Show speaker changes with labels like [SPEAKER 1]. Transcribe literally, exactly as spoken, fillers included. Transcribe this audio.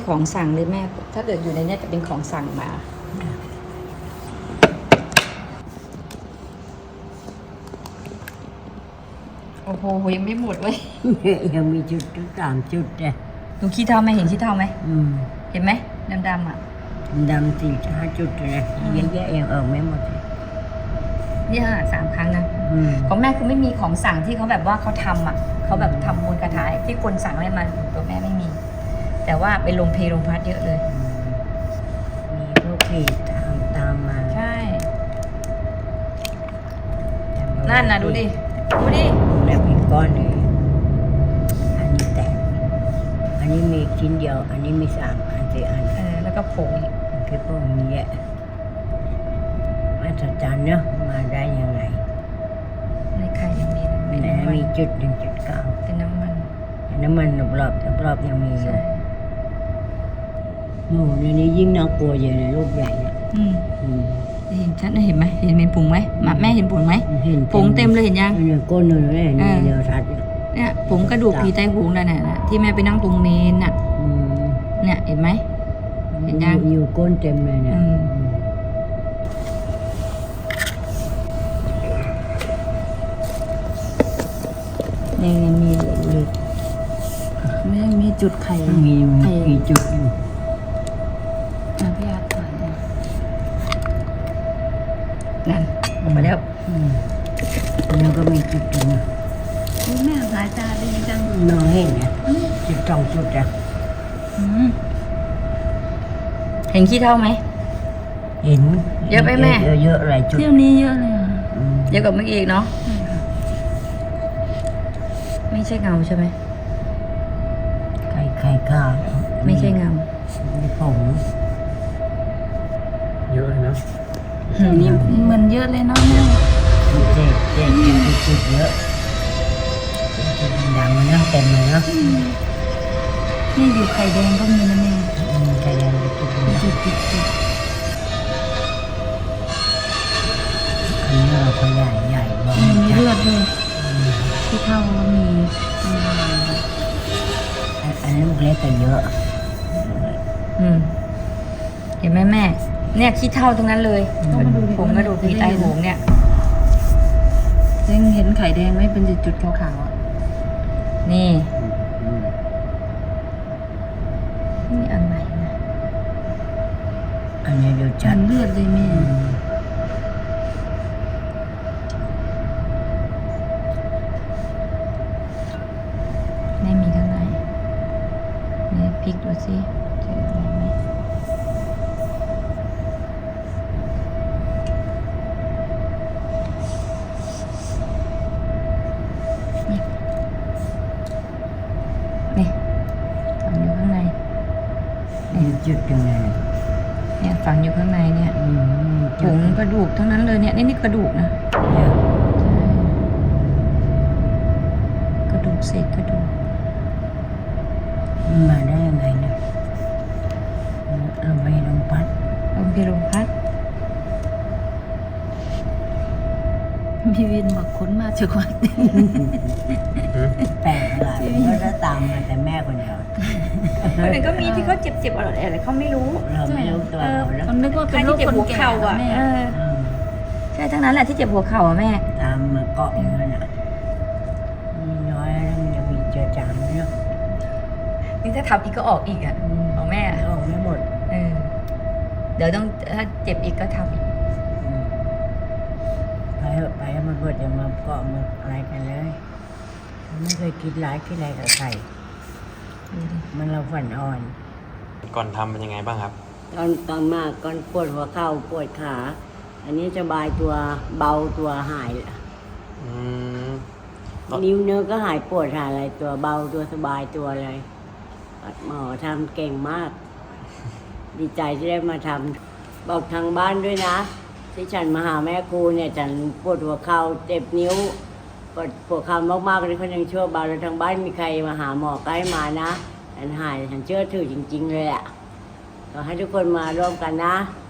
[SPEAKER 1] ของสั่งเลยแม่ถ้าเกิดอยู่ในนี้จะเป็นของสั่งมาโอ้โหยังไม่หมดเว้ย
[SPEAKER 2] ยังมีจุดถึงสามจุดเลย
[SPEAKER 1] หนูขี้เท่าไหมเห็นขี้เท่าไหม
[SPEAKER 2] อืม
[SPEAKER 1] เห็นไหมดำๆอ่ะ
[SPEAKER 2] ดำสี่ห้าจุดเลยเยอะแยะยังเออไม่หมดเลย
[SPEAKER 1] นี่ค่ะสามครั้งนะของแม่คือไม่มีของสั่งที่เขาแบบว่าเขาทำอ่ะเขาแบบทำมูลกระถายที่คนสั่งให้มันตัวแม่ไม่มี แต่ว่าไปลงเพลงพัดเยอะเลย
[SPEAKER 2] มีพวกเพจตามตามมา
[SPEAKER 1] ใช่นั่นนะดูดิดูดิ
[SPEAKER 2] แบบเป็นก้อนเลยอันนี้แตกอันนี้มีชิ้นเดียวอันนี้มีสามอันสี่อัน
[SPEAKER 1] เออแล้วก็ผงอีก
[SPEAKER 2] คือพวกนี้แหละมาตรฐานเนาะมาได้ยังไง
[SPEAKER 1] ในไข่ยังมี
[SPEAKER 2] แหนมีจุดหนึ่งจุดเก้า
[SPEAKER 1] เป็นน้ำมัน
[SPEAKER 2] น้ำมันรอบๆรอบๆยังมีอยู่โอ้ในนี้ยิ่งน่ากลัวอยู่ในรูปใหญ่เนี่ย
[SPEAKER 1] อืมเห็นชัดนะเห็นไหมเห็นเป็นผงไหมแม่เห็นผงไหมผงเต็มเลยเห็นยัง
[SPEAKER 2] เนี่ยก้นเลยเนี่ยเดียวชัด
[SPEAKER 1] เนี่ยผงกระดูกผีไตโหงนั่นน่ะที่แม่ไปนั่งตรงเมนน่ะเนี่ยเห็นไหมเห็นยัง
[SPEAKER 2] อยู่ก้นเต็มเลยเนี่ย
[SPEAKER 1] นี่มีเลยไม่มีจุดไข่
[SPEAKER 2] มีมีจุดอยู่
[SPEAKER 1] นะพี่อาร์ตถ่ายนั่นออกมาแล้ว
[SPEAKER 2] แล้วก็มีจุดอยู่นะ
[SPEAKER 1] แม่สายตาดีจัง
[SPEAKER 2] น้องเห็นเนี่ยจุดสองจุดอ่ะ
[SPEAKER 1] เห็นขี้เท่าไหม
[SPEAKER 2] เห็น
[SPEAKER 1] เยอะไหมแม่
[SPEAKER 2] เยอะๆหลายจุด
[SPEAKER 1] เที่ยวนี้เยอะเลยเยอะกว่าเมื่อกี้อีกเนาะไม่ใช่เงาใช่ไหม
[SPEAKER 2] ไข่ไข่ข้าว
[SPEAKER 1] ไม่ใช่เงา
[SPEAKER 2] ไม่ผง
[SPEAKER 3] เยอะเลยนะ
[SPEAKER 1] นี่เหมือนเยอะเลยเนาะแม่
[SPEAKER 2] เจ๊เจ๊จุดเยอะจุดดังมันนั่งเต็มเลยเนาะ
[SPEAKER 1] นี่อยู่ไข่แดงก็มีนะแม่
[SPEAKER 2] ไข่แดงจุด
[SPEAKER 1] จุดจุดจุด
[SPEAKER 2] อันนี้เราขยายใหญ่มาก
[SPEAKER 1] มีเลือดด้วยที่เท่าก็มี
[SPEAKER 2] อันลูกเล็กก็เยอะ
[SPEAKER 1] อืมเห็นไหมแม่เนี่ยขี้เท่าตรงนั้นเลยผมกระดูกผีไตโหงเนี่ยยังเห็นไข่แดงไหมเป็นจุดๆขาวๆอ่ะนี่นี่อันไหนนะ
[SPEAKER 2] อันนี้ดูชัด
[SPEAKER 1] เลือดเลยแม่ไม่มีข้างในนี่พลิกดูสิเจออะไรไหมนี่ฝังอยู่ข้างใน
[SPEAKER 2] นี่จุดยังไง
[SPEAKER 1] เนี่ยฝังอยู่ข้างในเนี่ยผงกระดูกทั้งนั้นเลยเนี่ยนี่นี่กระดูกนะกระดูกเศษกระดูก
[SPEAKER 2] มาได้ยังไงเนี่ยลมไปลมพัด
[SPEAKER 1] ลมไปลมพัดมีวินบอกค้นมาจากวัด
[SPEAKER 2] แปลกหลายก็จะตามมาแต่แม่คนเดียว
[SPEAKER 1] คนอื่นก็มีที่เขาเจ็บๆอะไรอะไรเขาไม่รู้
[SPEAKER 2] เราไม่รู้ตัวเราแล้ว
[SPEAKER 1] เขานึกว่าเป็นโรคคนแก่อ่ะใช่ทั้งนั้นแหละที่เจ็บหัวเข่าอ่ะแม่
[SPEAKER 2] ตามมาเกาะอย่างนั้นอ่ะมีน้อยแล้วมันยังมีเจอจางเนาะ
[SPEAKER 1] นี่ถ้าทำอีกก็ออกอีกอ่ะของแม่
[SPEAKER 2] ออกไม่หมด
[SPEAKER 1] เออเดี๋ยวต้องถ้าเจ็บอีกก็ทำอีก
[SPEAKER 2] ไปไปมันหมดอย่ามาเกาะมาอะไรกันเลยไม่เคยคิดร้ายคิดอะไรกับใครมันเราฝันอ่อน
[SPEAKER 3] ก่อนทำเป็นยังไงบ้างครับ
[SPEAKER 2] ตอนตอนมากก่อนปวดหัวเข่าปวดขาอันนี้สบายตัวเบาตัวหายนิ้วเนื้อก็หายปวดหายอะไรตัวเบาตัวสบายตัวอะไรหมอทำเก่งมากดีใจที่ได้มาทำบอกทางบ้านด้วยนะที่ฉันมาหาแม่ครูเนี่ยฉันปวดหัวเข่าเจ็บนิ้วปวดปวดเข่ามากๆเลยเขายังชั่วเบาแล้วทางบ้านมีใครมาหาหมอใกล้มานะฉันหายฉันเชื่อถือจริงๆเลยแหละขอให้ทุกคนมาร่วมกันนะ